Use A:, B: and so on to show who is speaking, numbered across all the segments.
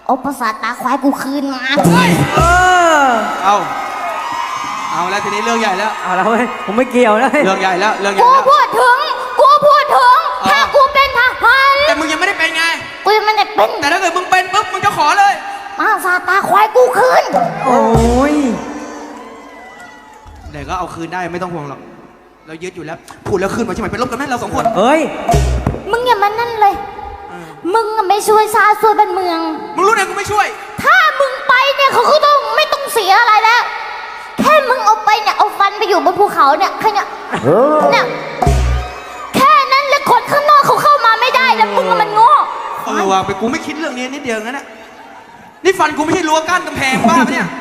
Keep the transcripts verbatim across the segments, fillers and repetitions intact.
A: เอาภาษาตาควายกูคืนมา
B: เออ
C: เอาเอาแล้วทีนี้เรื่องใหญ่แล้ว
B: เอาแล้วเว้ยผมไม่เกี่ยวแล้ว
C: เรื่องใหญ่แล้วเรื่องใหญ่
A: กู
C: แล้ว
A: พูดถึงกูพูดถึงถ้ากูเป็นทหาร
C: แต่มึงยังไม่ได้เป็นไง
A: กูยังไม่ได้เป็น
C: แต่ถ้าเกิดมึงเป็นปุ๊บมึงจะขอเลย
A: ภาษาตาควายกูคืน
B: โอ้ย
C: เดี๋ยวก็เอาคืนได้ไม่ต้องห่วงหรอกเรายึดอยู่แล้วพูดแล้วคืนมาใช่ไหมเป็นลบกันไหมเราสองคน
B: เอ้ย
A: มึงอย่ามานั่นเลยมึงไม่ช่วยชาติช่วยบ้านเมือง
C: มึงรู้ได้กูไม่ช่วย
A: ถ้ามึงไปเนี่ยเขาก็ต้องไม่ต้องเสียอะไรแล้วแค่มึงเอาไปเนี่ยเอาฟันไปอยู่บนภูเขาเนี่ยแค่เนี่ยเนี่ยแค่นั้นเลยคนข้างนอกเขาเข้ามาไม่ได้แล้วมึงมันโง่
C: เออว่ะไปกูไม่คิดเรื่องนี้นิดเดียวงั้นนะนี่ฟันกูไม่ใช่รั้วกั้นกำแพงบ้าปะเนี่ย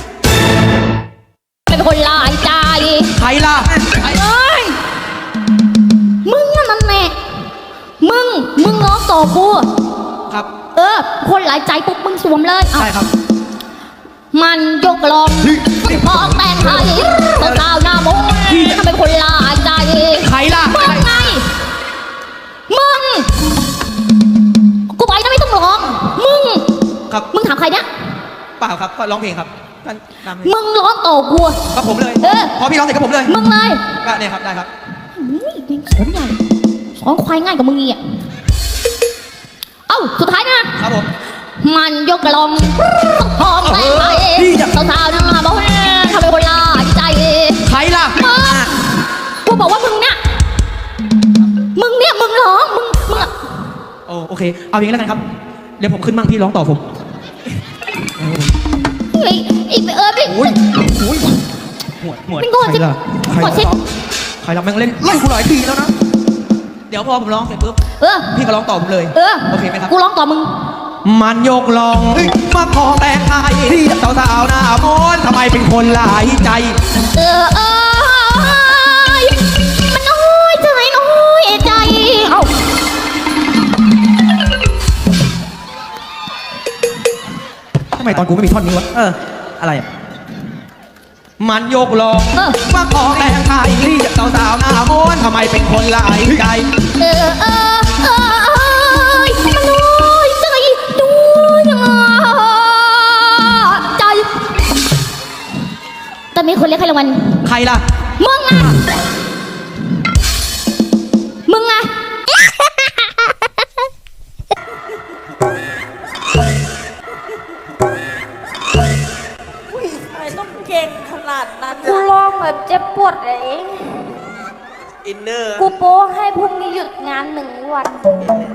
A: เป็นคนลายใจ
C: ใครล่ะใคร
A: เอ้ยมึงนั่นแหละมึงมึงง้อต่อกู
C: ครับ
A: เออคนหลายใจปุ๊บมึงสวมเลย
C: ใช่ครับ
A: มันยกลองมองแต่งไทยตัวสาวหน้ามงทำเป็นคนลายใจ
C: ใครล่ะ
A: มึงไงมึงกูไปนะไม่ต้องร้องมึง
C: ครับ
A: มึงถามใครเนี่ย
C: เปล่าครับก็ร้องเพลงครับก็ตามเพลง
A: มึงร้องต่อกู
C: ก็ผมเลย
A: เออ
C: พอพี่ร้องเสร็จก็ผมเลย
A: มึงเลย
C: ก็เนี่ยครับได้ครับ
A: อุ้ยเป็นสอนใหญ่สอนควายง่ายกว่ามึงอีกอ่ะเอ้าสุดท้ายนะครับ
C: ผม
A: มันยกลองพร้อมแต่งไทยสาวๆหน้ามงทำเป็นคนลายใจ
C: ใครล่ะ
A: มึงกูบอกว่ามึงเนี่ยมึงเนี่ยมึงร้องมึงมึงอะ
C: โอ้โอเคเอาอย่างนี้แล้วกันครับเดี๋ยวผมขึ้นมั่งพี่ร้องต่อผม
A: ไอ้ไอ้เออไอ้
C: อุ้ยอุ้ยหมวดหมวด
A: เป็นโง่
C: ใคร
A: สิ
C: ล่ะใคร
A: โง่สิ
C: ล่ะใครล่ะแม่งเล่นไล่กูหลายทีแล้วนะเดี๋ยวพอผมร้องเสร็จปุ๊บ
A: เออ
C: พี่ก็ร้องต่อผมเลย
A: เออ
C: โอเคไหมครับ
A: กูร้องต่อมึง
C: มันยกลองมาขอแต่งไทยสาวสาวๆหน้ามนต์ทำไมเป็นคนหลายใจ
A: เออเออมันน้อยใจน้อยใจเอ้า
C: ทำไมตอนกูไม่มีท่อนนี้วะ
B: เอออะไรอ่ะ
C: มันยกลอง
A: เออ
C: มาขอแต่งไทยสาวสาวๆหน้ามนต์ทำไมเป็นคนหลายใจ
A: เออเออเออมันน้อยใจน้อยใจตอนนี้คนเรียกใครรางวัล
C: ใครล่ะ
A: มึงไงมึงไง
D: ทำไมต้องเก่งขนาดนั้น
A: กูร้องแบบเจ็บปวดเอง
C: อินเนอร์
A: กูโป้ให้พรุ่งนี้หยุดงานหนึ่งวัน